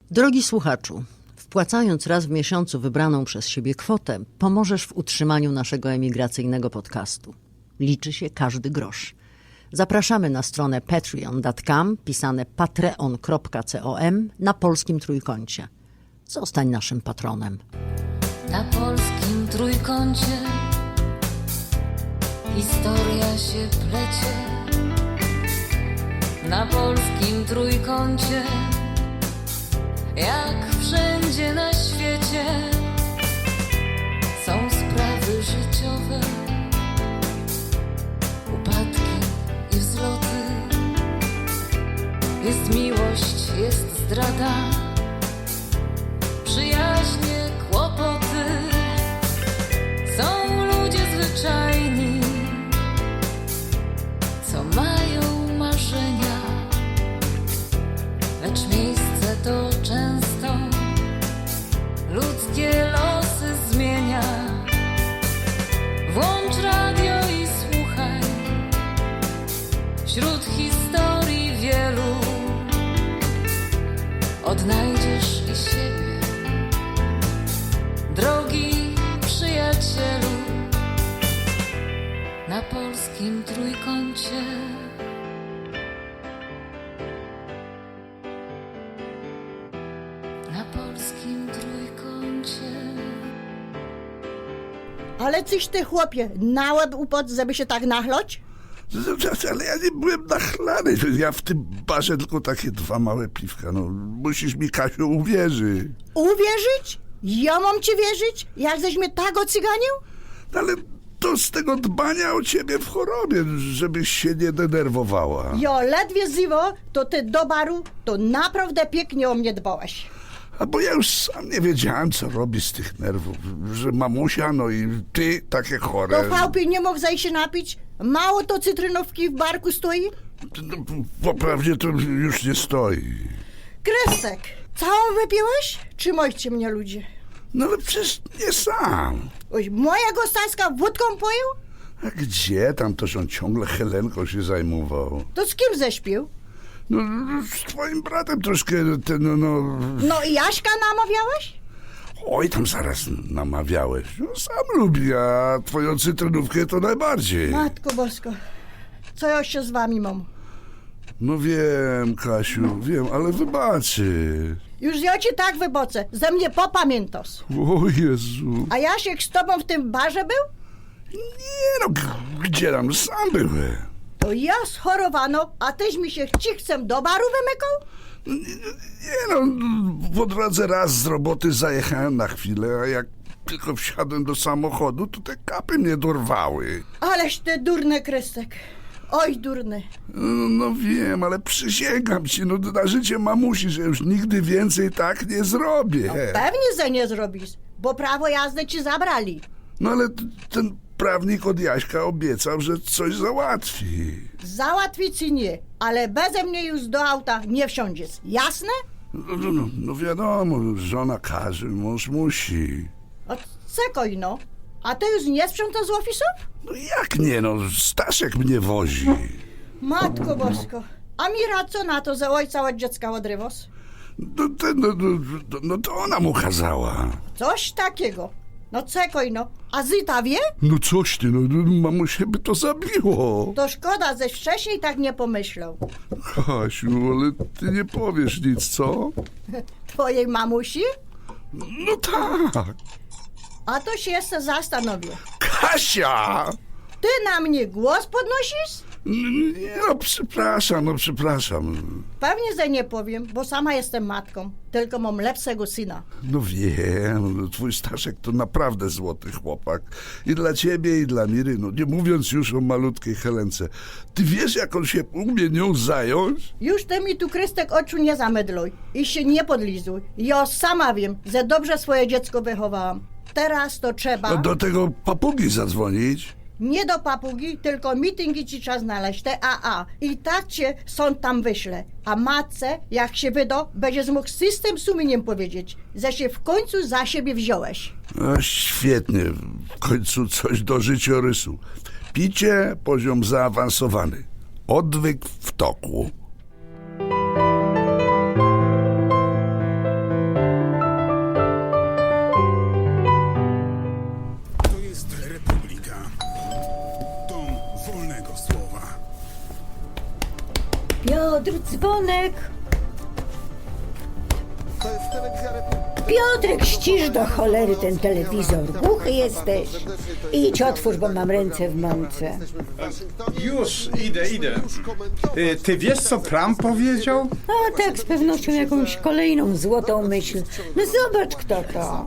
Drogi słuchaczu, wpłacając raz w miesiącu wybraną przez siebie kwotę, pomożesz w utrzymaniu naszego emigracyjnego podcastu. Liczy się każdy grosz. Zapraszamy na stronę patreon.com, pisane patreon.com, na polskim trójkącie. Zostań naszym patronem. Na polskim trójkącie historia się plecie. Na polskim trójkącie, jak wszędzie na świecie, są sprawy życiowe, upadki i wzloty. Jest miłość, jest zdrada, przyjaźnie, kłopoty. Są ludzie zwyczajni, co mają marzenia, lecz miejsce to często ludzkie losy zmienia. Włącz radio i słuchaj, wśród historii wielu odnajdziesz i siebie, drogi przyjacielu. Na polskim trójkącie. Na polskim trójkącie. Ale coś ty, chłopie, naład upod, żeby się tak nachlać? Ale ja nie byłem nachlany. Ja w tym barze tylko takie 2 małe piwka. No, musisz mi, Kasiu, uwierzyć. Uwierzyć? Ja mam ci wierzyć? Jak żeś mnie tak ocyganił? No, ale to z tego dbania o ciebie w chorobie, żebyś się nie denerwowała. Jo, ledwie ziwo, to ty do baru, to naprawdę pięknie o mnie dbałeś. A bo ja już sam nie wiedziałem, co robi z tych nerwów. Że mamusia, no i ty takie chore. To chałupie nie mógł zajść się napić? Mało to cytrynówki w barku stoi? No, poprawnie to już nie stoi. Kresek, całą wypiłeś? Czy moście mnie ludzie? No ale przecież nie sam. Oj, moja gostańska wódką pojął? A gdzie? Tam też on ciągle Helenką się zajmował. To z kim ześpił? No, z twoim bratem troszkę, no... No i Jaśka namawiałeś? Oj, tam zaraz namawiałeś. No, sam lubi, a twoją cytrynówkę to najbardziej. Matko Bosko, co ja się z wami mam? No wiem, Kasiu, wiem, ale wybaczy. Już ja ci tak wybocę, ze mnie popamiętasz. O Jezu. A Jasiek z tobą w tym barze był? Nie no, gdzie tam, sam byłem. To ja schorowano, a tyś mi się chcem do baru wymykał? Nie no, po drodze raz z roboty zajechałem na chwilę, a jak tylko wsiadłem do samochodu, to te kapy mnie dorwały. Aleś ty durny, Krystek. Oj, durny. No wiem, ale przysięgam ci, no na życie mamusi, że już nigdy więcej tak nie zrobię. Pewnie, że nie zrobisz, bo prawo jazdy ci zabrali. No ale ten prawnik od Jaśka obiecał, że coś załatwi. Załatwić ci nie, ale beze mnie już do auta nie wsiądziesz. Jasne? No wiadomo, żona każe, mąż musi. O, cekoj no. A ty już nie sprzątasz z ofisów? No jak nie, no Staszek mnie wozi. Matko Bosko. A Mira co na to, że ojca od dziecka odrywasz? No to ona mu kazała. Coś takiego. No cekoj no. A Zyta wie? No coś ty, no mamusie by to zabiło. To szkoda, żeś wcześniej tak nie pomyślał. Kasiu, ale ty nie powiesz nic, co? Twojej mamusi? No tak. A to się jeszcze zastanowię. Kasia! Ty na mnie głos podnosisz? Nie, no przepraszam. Pewnie, że nie powiem, bo sama jestem matką. Tylko mam lepszego syna. No wiem, twój Staszek to naprawdę złoty chłopak. I dla ciebie, i dla Miry, no nie mówiąc już o malutkiej Helence. Ty wiesz, jak on się umie nią zająć? Już ty mi tu, Krystek, oczu nie zamydluj i się nie podlizuj. Ja sama wiem, że dobrze swoje dziecko wychowałam. Teraz to trzeba... No do tego papugi zadzwonić. Nie do papugi, tylko mityngi ci trzeba znaleźć, te AA. I tak cię sąd tam wyśle. A matce, jak się wyda, będziesz mógł z czystym sumieniem powiedzieć, że się w końcu za siebie wziąłeś. No świetnie, w końcu coś do życiorysu. Picie, poziom zaawansowany. Odwyk w toku. Piotrek, ścisz do cholery ten telewizor. Głuchy jesteś. Idź otwórz, bo mam ręce w mące. Już, idę. Ty wiesz, co Trump powiedział? A tak, z pewnością jakąś kolejną złotą myśl. No zobacz, kto to.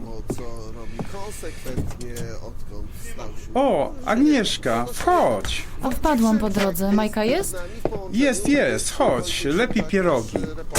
O, Agnieszka, wchodź. A wpadłam po drodze. Majka jest? Jest, chodź, lepiej pierogi.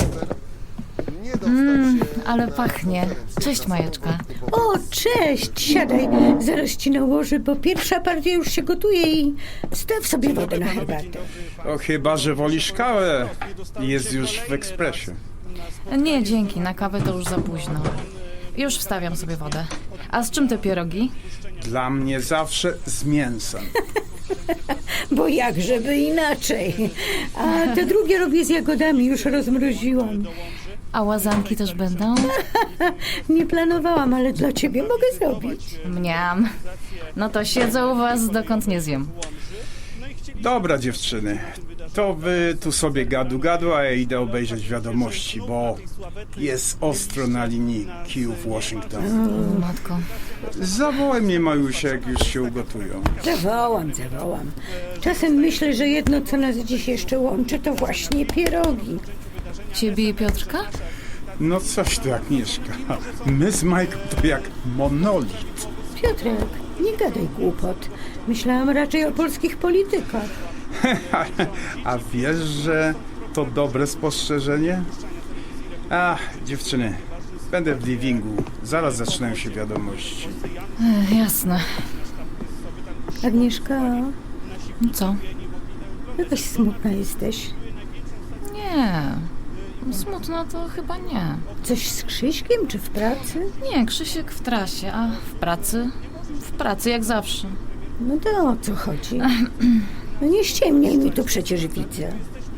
Ale pachnie. Cześć, Majeczka. O, cześć, siadaj. Zaraz ci nałożę, bo pierwsza partia już się gotuje i staw sobie wodę na herbatę. O, chyba, że wolisz kawę. Jest już w ekspresie. Nie, dzięki. Na kawę to już za późno. Już wstawiam sobie wodę. A z czym te pierogi? Dla mnie zawsze z mięsem. Bo jak żeby inaczej. A te drugie robię z jagodami, już rozmroziłam. A łazanki też będą? Nie planowałam, ale dla ciebie mogę zrobić. Mniam. No to siedzę u was, dokąd nie zjem. Dobra, dziewczyny, to wy tu sobie gadu, a ja idę obejrzeć wiadomości, bo jest ostro na linii Kijów Washington. Matko. Zawołaj mnie, Majusia, jak już się ugotują. Zawołam. Czasem myślę, że jedno, co nas dziś jeszcze łączy, to właśnie pierogi. Ciebie i Piotrka? No coś tu, Agnieszka. My z Majką to jak monolit. Piotrek, nie gadaj głupot. Myślałam raczej o polskich politykach. A wiesz, że to dobre spostrzeżenie? Ach, dziewczyny, będę w livingu. Zaraz zaczynają się wiadomości. Jasne. Agnieszka, Co? jakaś smutna jesteś. Nie. Smutno to chyba nie. Coś z Krzyśkiem czy w pracy? Nie, Krzysiek w trasie, a w pracy? W pracy jak zawsze. No to o co chodzi? No nie ściemniaj mi, tu przecież widzę.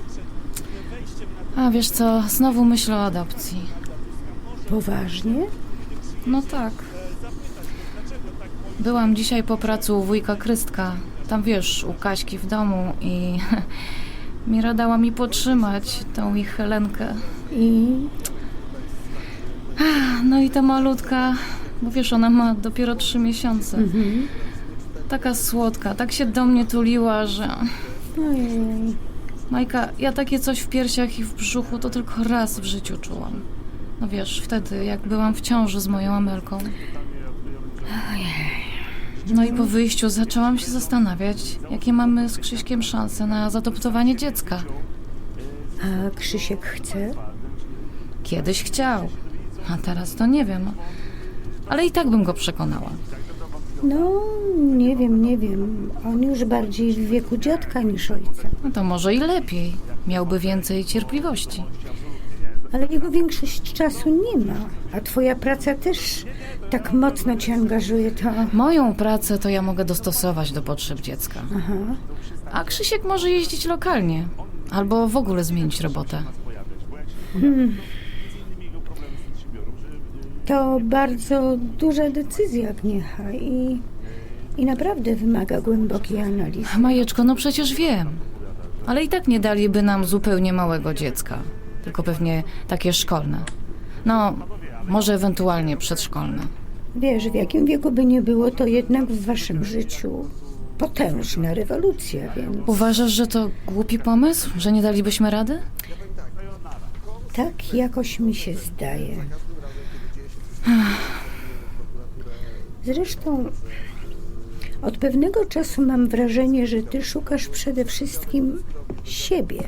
A wiesz co, znowu myślę o adopcji. Poważnie? No tak. Byłam dzisiaj po pracy u wujka Krystka. Tam wiesz, u Kaśki w domu i Mira dała mi potrzymać tą ich Helenkę. I No i ta malutka, bo wiesz, ona ma dopiero 3 miesiące. Taka słodka, tak się do mnie tuliła, że... ojej. Majka, ja takie coś w piersiach i w brzuchu to tylko raz w życiu czułam. No wiesz, wtedy jak byłam w ciąży z moją Amelką. No i po wyjściu zaczęłam się zastanawiać, jakie mamy z Krzyśkiem szanse na zaadoptowanie dziecka. A Krzysiek chce? Kiedyś chciał, a teraz to nie wiem. Ale i tak bym go przekonała. No, nie wiem. On już bardziej w wieku dziadka niż ojca. No to może i lepiej. Miałby więcej cierpliwości. Ale jego większość czasu nie ma. A twoja praca też tak mocno cię angażuje, to... Moją pracę to ja mogę dostosować do potrzeb dziecka. Aha. A Krzysiek może jeździć lokalnie. Albo w ogóle zmienić robotę. To bardzo duża decyzja, Agniecha, i naprawdę wymaga głębokiej analizy. Majeczko, no przecież wiem. Ale i tak nie daliby nam zupełnie małego dziecka. Tylko pewnie takie szkolne. No, może ewentualnie przedszkolne. Wiesz, w jakim wieku by nie było, to jednak w waszym życiu potężna rewolucja, więc... Uważasz, że to głupi pomysł? Że nie dalibyśmy rady? Tak jakoś mi się zdaje. Zresztą od pewnego czasu mam wrażenie, że ty szukasz przede wszystkim siebie.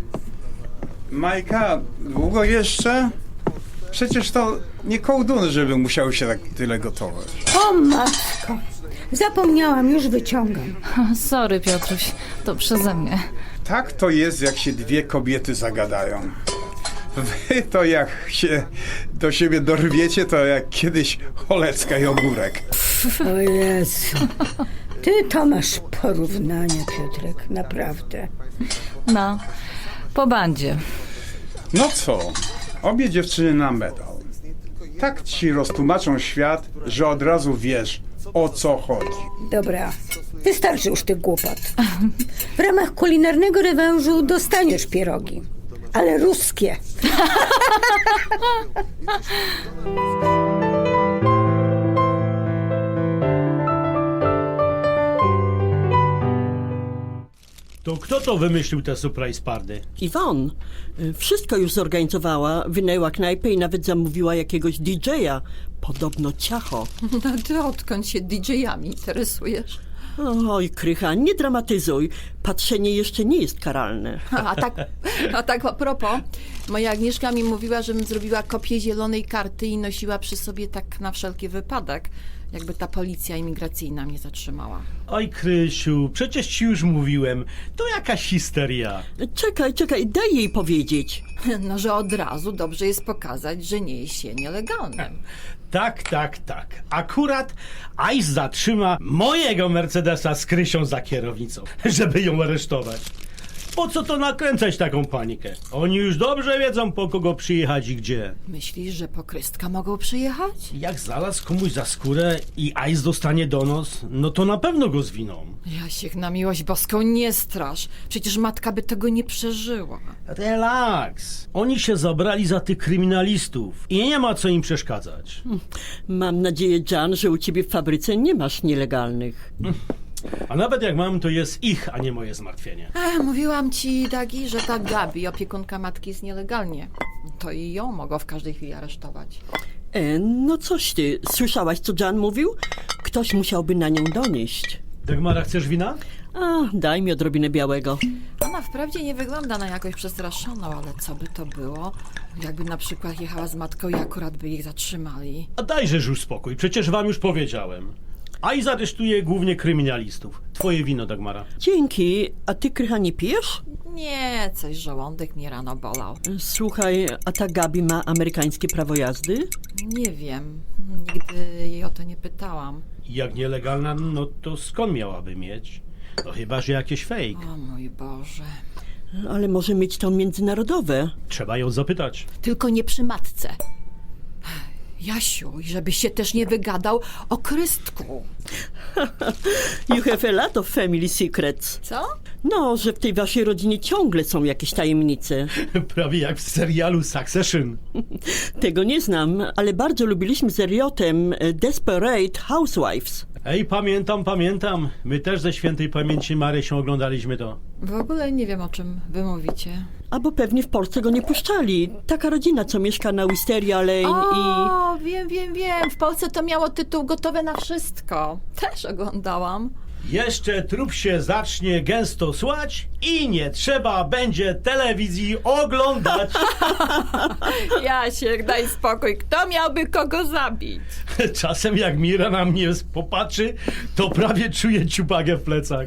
Majka, długo jeszcze? Przecież to nie kołduny, żeby musiały się tak tyle gotować. O matko! Zapomniałam, już wyciągam. Sorry, Piotruś, to przeze mnie. Tak to jest, jak się dwie kobiety zagadają. Wy to jak się do siebie dorwiecie, to jak kiedyś Cholecka i Ogórek. O Jezu. Ty to masz porównania, Piotrek, naprawdę. No, po bandzie. No co, obie dziewczyny na medal. Tak ci roztłumaczą świat, że od razu wiesz, o co chodzi. Dobra, wystarczy już tych głupot. W ramach kulinarnego rewanżu dostaniesz pierogi. ale ruskie. To kto to wymyślił te surprise party? Iwon, wszystko już zorganizowała, wynajęła knajpę i nawet zamówiła jakiegoś DJ-a. Podobno ciacho. No ty odkąd się DJ-ami interesujesz? Oj, Krycha, nie dramatyzuj. Patrzenie jeszcze nie jest karalne. A tak a propos, moja Agnieszka mi mówiła, żebym zrobiła kopię zielonej karty i nosiła przy sobie tak na wszelki wypadek, jakby ta policja imigracyjna mnie zatrzymała. Oj, Krysiu, przecież ci już mówiłem. To jakaś histeria. Czekaj, daj jej powiedzieć. No, że od razu dobrze jest pokazać, że nie jest się nielegalnym. Tak. Akurat ICE zatrzyma mojego Mercedesa z Krysią za kierownicą, żeby ją aresztować. Po co to nakręcać taką panikę? Oni już dobrze wiedzą, po kogo przyjechać i gdzie. Myślisz, że po Krystka mogą przyjechać? Jak znalazł komuś za skórę i ICE dostanie donos, no to na pewno go zwiną. Jasiek, na miłość boską, nie strasz. Przecież matka by tego nie przeżyła. Relaks. Oni się zabrali za tych kryminalistów i nie ma co im przeszkadzać. Mam nadzieję, Jan, że u ciebie w fabryce nie masz nielegalnych. A nawet jak mam, to jest ich, a nie moje zmartwienie. Mówiłam ci, Dagi, że ta Gabi, opiekunka matki, jest nielegalnie. To i ją mogą w każdej chwili aresztować. No coś ty, słyszałaś, co Jan mówił? Ktoś musiałby na nią donieść. Dagmara, chcesz wina? Daj mi odrobinę białego. Ona wprawdzie nie wygląda na jakoś przestraszoną, ale co by to było? Jakby na przykład jechała z matką i akurat by ich zatrzymali. A dajżeż już spokój, przecież wam już powiedziałem. ICE aresztuje głównie kryminalistów. Twoje wino, Dagmara. Dzięki. A ty, Krycha, nie pijesz? Nie, coś żołądek mnie rano bolał. Słuchaj, a ta Gabi ma amerykańskie prawo jazdy? Nie wiem, nigdy jej o to nie pytałam. Jak nielegalna, no to skąd miałaby mieć? No chyba, że jakieś fake. O mój Boże. Ale może mieć to międzynarodowe. Trzeba ją zapytać. Tylko nie przy matce. Jasiu, i żebyś się też nie wygadał o Krystku. You have a lot of family secrets. Co? No, że w tej waszej rodzinie ciągle są jakieś tajemnice. Prawie jak w serialu Succession. Tego nie znam, ale bardzo lubiliśmy z Eriotem Desperate Housewives. Ej, pamiętam. My też ze świętej pamięci Marysią oglądaliśmy to. W ogóle nie wiem, o czym wy mówicie. Albo pewnie w Polsce go nie puszczali. Taka rodzina, co mieszka na Wisteria Lane O, wiem. W Polsce to miało tytuł Gotowe na wszystko. Też oglądałam. Jeszcze trup się zacznie gęsto słać i nie trzeba będzie telewizji oglądać. Jasiek, daj spokój. Kto miałby kogo zabić? Czasem jak Mira na mnie popatrzy, to prawie czuję ciupagę w plecach.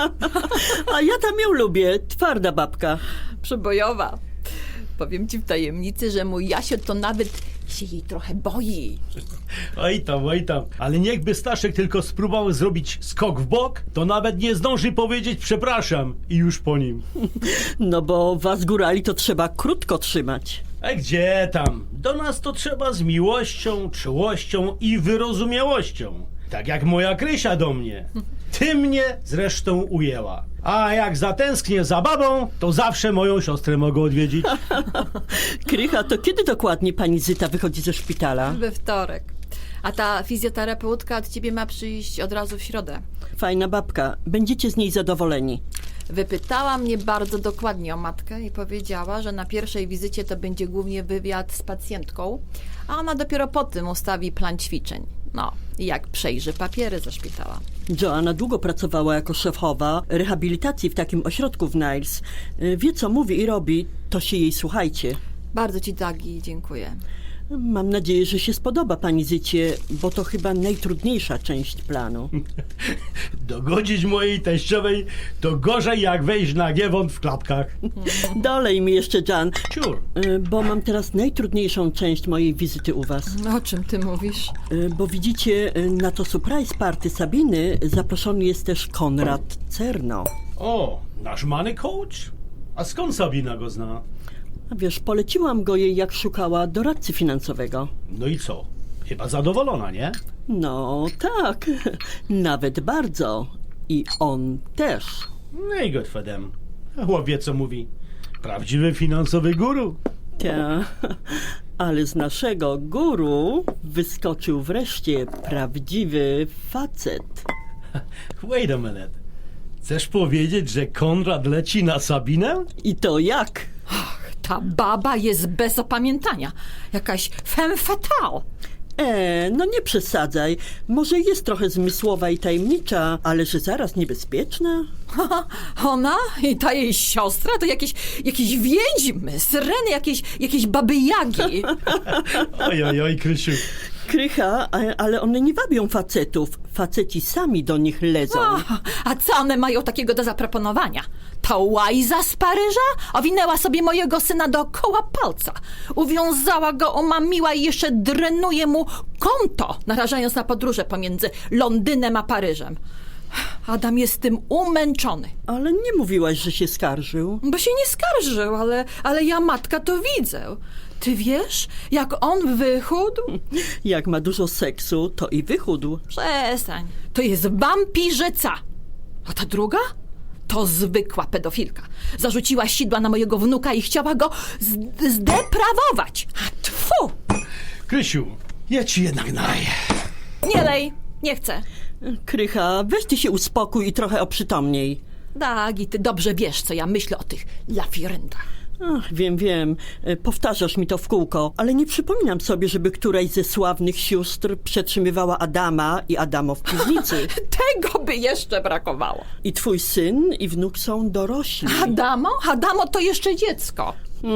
A ja tam ją lubię. Twarda babka. Przebojowa. Powiem ci w tajemnicy, że mój Jasio to nawet się jej trochę boi. Oj tam. Ale niechby Staszek tylko spróbował zrobić skok w bok, to nawet nie zdąży powiedzieć przepraszam i już po nim. No bo was górali to trzeba krótko trzymać. A gdzie tam? Do nas to trzeba z miłością, czułością i wyrozumiałością. Tak jak moja Krysia do mnie. Ty mnie zresztą ujęła. A jak zatęsknię za babą, to zawsze moją siostrę mogę odwiedzić. Krycha, to kiedy dokładnie pani Zyta wychodzi ze szpitala? We wtorek. A ta fizjoterapeutka od ciebie ma przyjść od razu w środę. Fajna babka. Będziecie z niej zadowoleni. Wypytała mnie bardzo dokładnie o matkę i powiedziała, że na pierwszej wizycie to będzie głównie wywiad z pacjentką, a ona dopiero po tym ustawi plan ćwiczeń. No, i jak przejrzy papiery ze szpitala. Joanna długo pracowała jako szefowa rehabilitacji w takim ośrodku w Niles. Wie, co mówi i robi, to się jej słuchajcie. Bardzo ci, Dagi, dziękuję. Mam nadzieję, że się spodoba pani Zycie, bo to chyba najtrudniejsza część planu. Dogodzić mojej teściowej to gorzej jak wejść na giewont w klapkach. Dolej mi jeszcze, Jan, Ciur. bo mam teraz najtrudniejszą część mojej wizyty u was. O czym ty mówisz? Bo widzicie, na to surprise party Sabiny zaproszony jest też Konrad Cerno. O, nasz money coach? A skąd Sabina go zna? A wiesz, poleciłam go jej, jak szukała doradcy finansowego. No i co? Chyba zadowolona, nie? No tak, nawet bardzo. I on też. No i good for them. Chłop wie, co mówi. Prawdziwy finansowy guru. Ta, ale z naszego guru wyskoczył wreszcie prawdziwy facet. Wait a minute. Chcesz powiedzieć, że Konrad leci na Sabinę? I to jak? Ta baba jest bez opamiętania. Jakaś femme fatale. No nie przesadzaj. Może jest trochę zmysłowa i tajemnicza, ale że zaraz niebezpieczna? Ona i ta jej siostra to jakieś wiedźmy, syreny, jakieś baby jagi. Oj, Krysiu. Krycha, ale one nie wabią facetów. Faceci sami do nich lezą. A co one mają takiego do zaproponowania? Ta łajza z Paryża owinęła sobie mojego syna dookoła palca. Uwiązała go, omamiła i jeszcze drenuje mu konto, narażając na podróże pomiędzy Londynem a Paryżem. Adam jest tym umęczony. Ale nie mówiłaś, że się skarżył. Bo się nie skarżył, ale ja, matka, to widzę. Ty wiesz, jak on wychudł? Jak ma dużo seksu, to i wychudł. Przestań. To jest wampirzyca. A ta druga? To zwykła pedofilka. Zarzuciła sidła na mojego wnuka i chciała go zdeprawować. A tfu! Krysiu, ja ci jednak naleję. Nie lej, nie chcę. Krycha, weź ty się uspokój i trochę oprzytomniej. Tak, i ty dobrze wiesz, co ja myślę o tych lafirentach. Ach, wiem. Powtarzasz mi to w kółko, ale nie przypominam sobie, żeby któraś ze sławnych sióstr przetrzymywała Adama i Adamo w piwnicy. Tego by jeszcze brakowało. I twój syn i wnuk są dorośli. Adamo to jeszcze dziecko.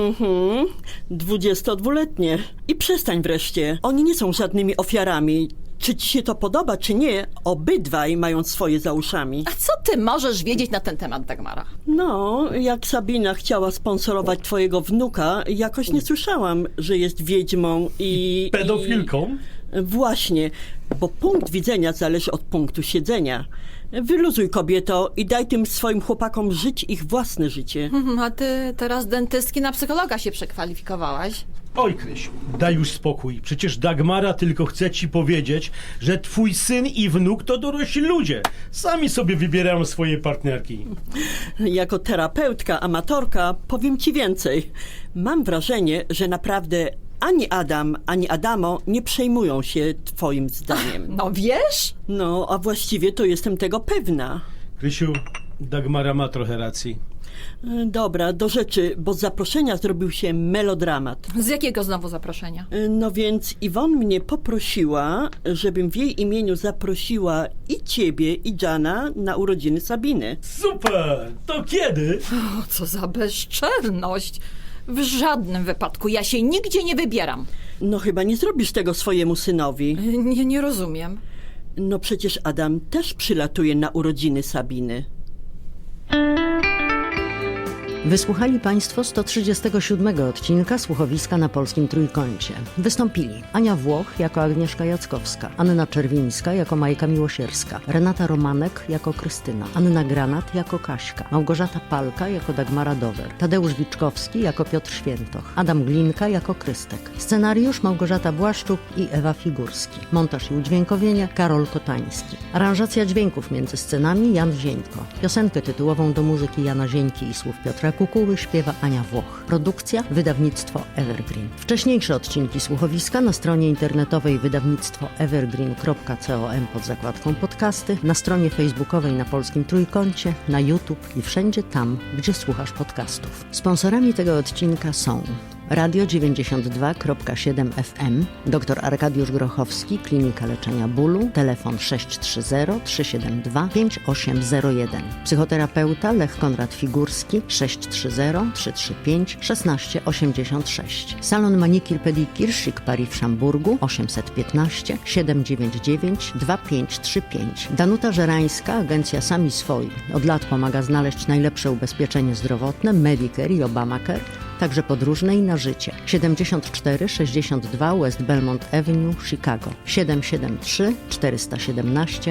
22-letnie. I przestań wreszcie. Oni nie są żadnymi ofiarami. Czy ci się to podoba, czy nie, obydwaj mają swoje za uszami. A co ty możesz wiedzieć na ten temat, Dagmara? No, jak Sabina chciała sponsorować twojego wnuka, jakoś nie słyszałam, że jest wiedźmą i... Pedofilką? Właśnie, bo punkt widzenia zależy od punktu siedzenia. Wyluzuj, kobieto, i daj tym swoim chłopakom żyć ich własne życie. A ty teraz dentystki na psychologa się przekwalifikowałaś. Oj, Krysiu, daj już spokój. Przecież Dagmara tylko chce ci powiedzieć, że twój syn i wnuk to dorośli ludzie. Sami sobie wybierają swoje partnerki. Jako terapeutka, amatorka powiem ci więcej. Mam wrażenie, że naprawdę ani Adam, ani Adamo nie przejmują się twoim zdaniem. No wiesz? No, a właściwie to jestem tego pewna. Krysiu, Dagmara ma trochę racji. Dobra, do rzeczy, bo z zaproszenia zrobił się melodramat. Z jakiego znowu zaproszenia? No więc Iwon mnie poprosiła, żebym w jej imieniu zaprosiła i ciebie, i Jana na urodziny Sabiny. Super! To kiedy? O, co za bezczelność. W żadnym wypadku. Ja się nigdzie nie wybieram. No chyba nie zrobisz tego swojemu synowi. Nie rozumiem. No przecież Adam też przylatuje na urodziny Sabiny. Wysłuchali Państwo 137 odcinka Słuchowiska na Polskim Trójkącie. Wystąpili Ania Włoch jako Agnieszka Jackowska, Anna Czerwińska jako Majka Miłosierska, Renata Romanek jako Krystyna, Anna Granat jako Kaśka, Małgorzata Palka jako Dagmara Dower, Tadeusz Wiczkowski jako Piotr Świętoch, Adam Glinka jako Krystek. Scenariusz Małgorzata Błaszczuk i Ewa Figurski. Montaż i udźwiękowienie Karol Kotański. Aranżacja dźwięków między scenami Jan Zieńko. Piosenkę tytułową do muzyki Jana Zieńki i słów Piotra Kukuły śpiewa Ania Włoch. Produkcja wydawnictwo Evergreen. Wcześniejsze odcinki Słuchowiska na stronie internetowej wydawnictwo evergreen.com pod zakładką podcasty, na stronie facebookowej na Polskim Trójkącie, na YouTube i wszędzie tam, gdzie słuchasz podcastów. Sponsorami tego odcinka są Radio 92.7 FM, dr Arkadiusz Grochowski, Klinika Leczenia Bólu, telefon 630-372-5801. Psychoterapeuta Lech Konrad Figurski, 630-335-1686. Salon Manikir Pedikir Chic Paris w Szamburgu, 815 799 2535. Danuta Żerańska, agencja Sami Swoi. Od lat pomaga znaleźć najlepsze ubezpieczenie zdrowotne, Medicare i Obamacare, także podróżne i na życie. 7462 West Belmont Avenue, Chicago. 773 417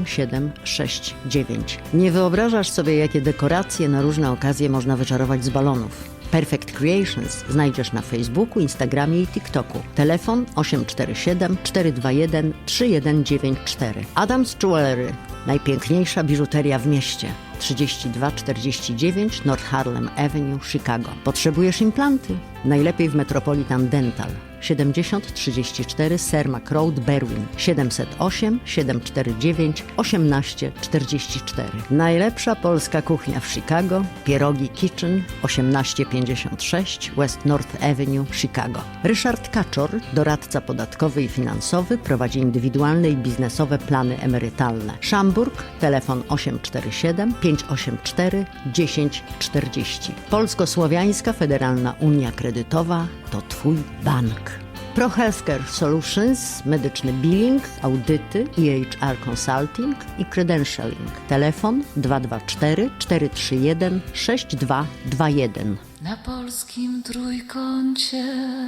7769. Nie wyobrażasz sobie, jakie dekoracje na różne okazje można wyczarować z balonów. Perfect Creations znajdziesz na Facebooku, Instagramie i TikToku. Telefon 847 421 3194. Adams Jewelry. Najpiękniejsza biżuteria w mieście. 3249 North Harlem Avenue, Chicago. Potrzebujesz implanty? Najlepiej w Metropolitan Dental. 7034 Cermak Road, Berwyn. 708 749 1844. Najlepsza polska kuchnia w Chicago. Pierogi Kitchen 1856 West North Avenue, Chicago. Ryszard Kaczor, doradca podatkowy i finansowy, prowadzi indywidualne i biznesowe plany emerytalne. Szamburg, telefon 847 584 1040. Polsko-Słowiańska Federalna Unia Kredytowa to Twój bank. Pro Healthcare Solutions, medyczny billing, audyty, EHR Consulting i Credentialing. Telefon 224 431 6221. Na polskim trójkącie.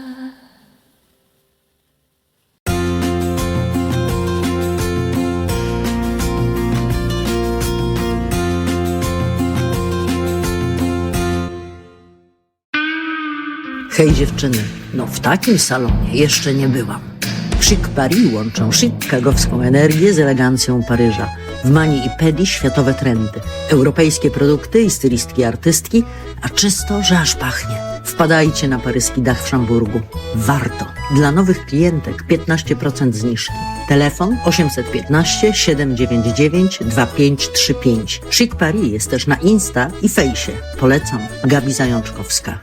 Hej dziewczyny, no w takim salonie jeszcze nie byłam. Chic Paris łączą chicagowską energię z elegancją Paryża. W mani i pedi światowe trendy, europejskie produkty i stylistki artystki, a czysto, że aż pachnie. Wpadajcie na paryski dach w Szamburgu. Warto. Dla nowych klientek 15% zniżki. Telefon 815 799 2535. Chic Paris jest też na Insta i Fejsie. Polecam. Gabi Zajączkowska.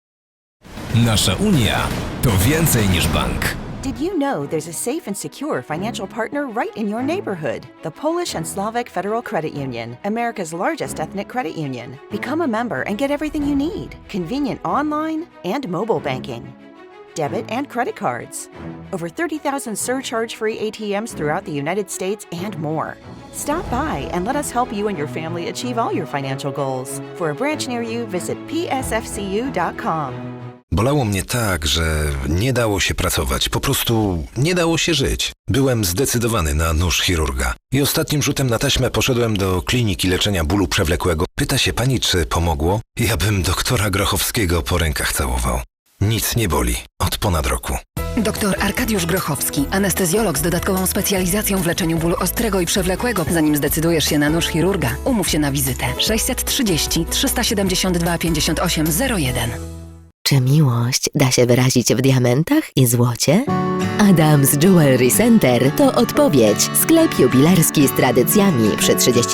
Nasza Unia to więcej niż bank. Did you know there's a safe and secure financial partner right in your neighborhood? The Polish and Slovak Federal Credit Union, America's largest ethnic credit union. Become a member and get everything you need. Convenient online and mobile banking. Debit and credit cards. Over 30,000 surcharge-free ATMs throughout the United States and more. Stop by and let us help you and your family achieve all your financial goals. For a branch near you, visit psfcu.com. Bolało mnie tak, że nie dało się pracować, po prostu nie dało się żyć. Byłem zdecydowany na nóż chirurga i ostatnim rzutem na taśmę poszedłem do kliniki leczenia bólu przewlekłego. Pyta się pani, czy pomogło? Ja bym doktora Grochowskiego po rękach całował. Nic nie boli od ponad roku. Dr Arkadiusz Grochowski, anestezjolog z dodatkową specjalizacją w leczeniu bólu ostrego i przewlekłego. Zanim zdecydujesz się na nóż chirurga, umów się na wizytę. 630 372 5801. Czy miłość da się wyrazić w diamentach i złocie? Adams Jewelry Center to odpowiedź. Sklep jubilerski z tradycjami przy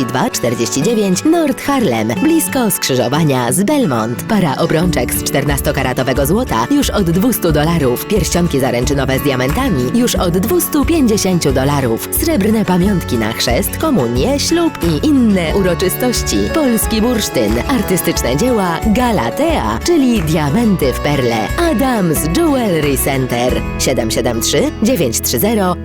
3249 North Harlem, blisko skrzyżowania z Belmont. Para obrączek z 14-karatowego złota już od $200. Pierścionki zaręczynowe z diamentami już od $250. Srebrne pamiątki na chrzest, komunię, ślub i inne uroczystości. Polski bursztyn, artystyczne dzieła Galatea, czyli diamenty w perle. Adams Jewelry Center 773 930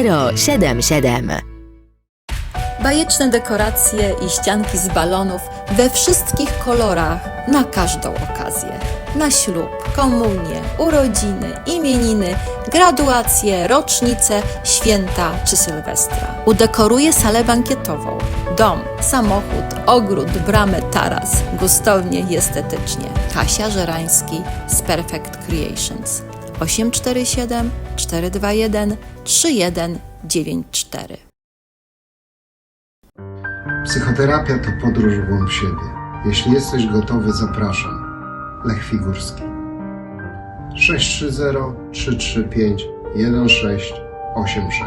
3077. Bajeczne dekoracje i ścianki z balonów we wszystkich kolorach na każdą okazję. Na ślub, komunię, urodziny, imieniny, graduacje, rocznice, święta czy Sylwestra. Udekoruje salę bankietową, dom, samochód, ogród, bramę, taras, gustownie i estetycznie. Kasia Żerański z Perfect Creations 847 421 3194. Psychoterapia to podróż w głąb siebie. Jeśli jesteś gotowy, zapraszam. Lech Figurski. 630 335 1686.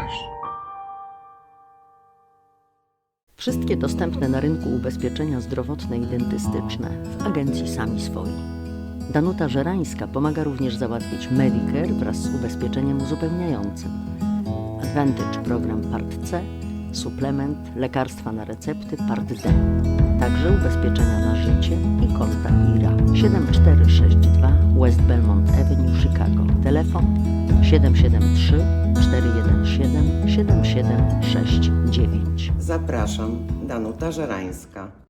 Wszystkie dostępne na rynku ubezpieczenia zdrowotne i dentystyczne w agencji Sami Swoi. Danuta Żerańska pomaga również załatwić Medicare wraz z ubezpieczeniem uzupełniającym. Advantage program Part C, suplement, lekarstwa na recepty Part D. Także ubezpieczenia na życie i konta IRA. 7462 West Belmont Avenue, Chicago. Telefon 773 417 7769. Zapraszam, Danuta Żerańska.